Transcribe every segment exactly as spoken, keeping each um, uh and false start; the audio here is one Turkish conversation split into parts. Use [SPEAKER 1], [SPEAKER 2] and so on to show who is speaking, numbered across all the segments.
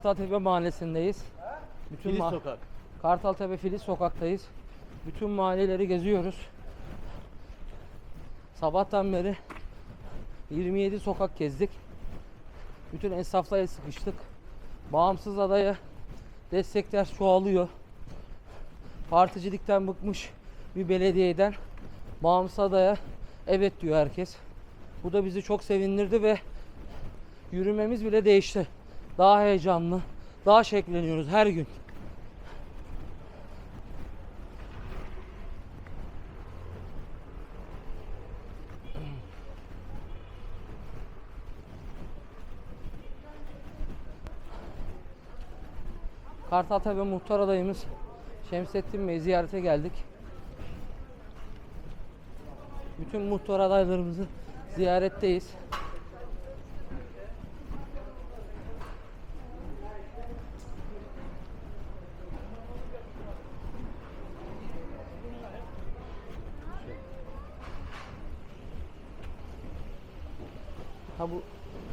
[SPEAKER 1] Kartaltepe Mahallesi'ndeyiz. Bütün
[SPEAKER 2] Filiz
[SPEAKER 1] ma
[SPEAKER 2] Sokak.
[SPEAKER 1] Kartaltepe Filiz Sokak'tayız. Bütün mahalleleri geziyoruz. Sabahtan beri yirmi yedi sokak gezdik. Bütün esnafla sıkıştık. Bağımsız adaya destekler çoğalıyor. Particilikten bıkmış bir belediyeden bağımsız adaya evet diyor herkes. Bu da bizi çok sevindirdi ve yürümemiz bile değişti. Daha heyecanlı, daha şevkleniyoruz her gün. Kartaltepe Muhtar adayımız Şemsettin Bey'i ziyarete geldik. Bütün muhtar adaylarımızı ziyaretteyiz. Ha bu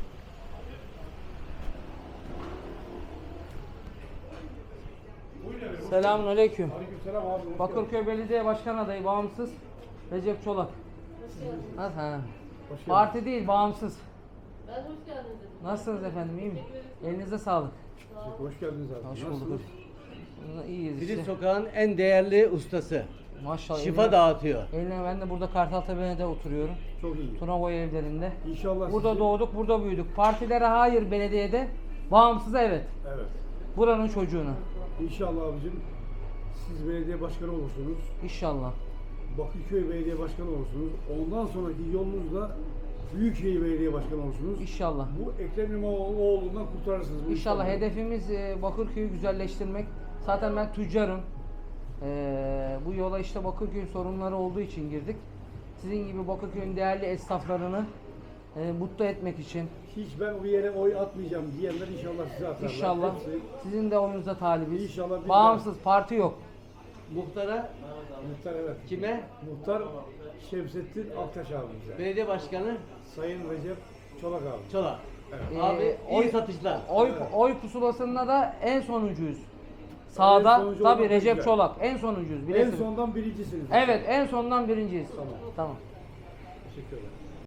[SPEAKER 1] Selamünaleyküm.
[SPEAKER 3] Aleykümselam abi.
[SPEAKER 1] Bakırköy Belediye Başkan adayı bağımsız Recep Çolak. Nasıl? Ha.
[SPEAKER 3] Hoş geldin.
[SPEAKER 1] Parti değil, bağımsız.
[SPEAKER 4] Ben hoş geldin dedim.
[SPEAKER 1] Nasılsınız efendim? İyi mi? Elinize sağlık.
[SPEAKER 3] Hoş geldiniz abi.
[SPEAKER 1] Hoş
[SPEAKER 3] Nasılsınız?
[SPEAKER 1] bulduk. İyiyiz
[SPEAKER 2] Filiz
[SPEAKER 1] işte.
[SPEAKER 2] Sokak'ın en değerli ustası.
[SPEAKER 1] Maşallah.
[SPEAKER 2] Şifa
[SPEAKER 1] eline-
[SPEAKER 2] dağıtıyor.
[SPEAKER 1] Eline ben de burada Kartaltepe'de oturuyorum.
[SPEAKER 3] Çok iyi.
[SPEAKER 1] Tunavoy evlerinde.
[SPEAKER 3] İnşallah
[SPEAKER 1] Burada
[SPEAKER 3] sizi-
[SPEAKER 1] doğduk, burada büyüdük. Partilere hayır, belediyede bağımsıza evet.
[SPEAKER 3] Evet.
[SPEAKER 1] Buranın çocuğuna.
[SPEAKER 3] İnşallah abicim siz belediye başkanı olursunuz.
[SPEAKER 1] İnşallah.
[SPEAKER 3] Bakırköy Belediye Başkanı olursunuz. Ondan sonraki yolunuzda Büyükşehir Belediye Başkanı olursunuz.
[SPEAKER 1] İnşallah.
[SPEAKER 3] Bu Ekrem İmamoğlu'ndan kurtarırsınız. bu
[SPEAKER 1] İnşallah
[SPEAKER 3] insanları.
[SPEAKER 1] hedefimiz e, Bakırköy'ü güzelleştirmek. Zaten ben tüccarım. E, bu yola işte Bakırköy sorunları olduğu için girdik. Sizin gibi Bakırköy'ün değerli esnaflarını e, mutlu etmek için.
[SPEAKER 3] Hiç ben o yere oy atmayacağım diyenler inşallah size atarlar.
[SPEAKER 1] İnşallah
[SPEAKER 3] Hepsi
[SPEAKER 1] sizin de oyunuza talibiz.
[SPEAKER 3] İnşallah biz
[SPEAKER 1] Bağımsız parti yok.
[SPEAKER 2] Muhtara
[SPEAKER 3] muhtar evet.
[SPEAKER 2] kime?
[SPEAKER 3] Muhtar Şemsettin Aktaş abimize.
[SPEAKER 2] Belediye başkanı
[SPEAKER 3] Sayın Recep Çolak abi.
[SPEAKER 2] Çolak.
[SPEAKER 3] Evet.
[SPEAKER 2] Abi
[SPEAKER 1] Ee,
[SPEAKER 2] iyi
[SPEAKER 1] oy-
[SPEAKER 2] satışlar.
[SPEAKER 1] Oy
[SPEAKER 3] Evet.
[SPEAKER 1] oy pusulasında da en sonuncuyuz. Sağda
[SPEAKER 3] sonuncu
[SPEAKER 1] tabii
[SPEAKER 3] olmak
[SPEAKER 1] Recep
[SPEAKER 3] güzel.
[SPEAKER 1] Çolak en sonuncuyuz.
[SPEAKER 3] En
[SPEAKER 1] Bilirsiniz.
[SPEAKER 3] sondan birincisiniz.
[SPEAKER 1] Evet en sondan birinciyiz.
[SPEAKER 3] Tamam.
[SPEAKER 1] Tamam.
[SPEAKER 3] Teşekkür ederim.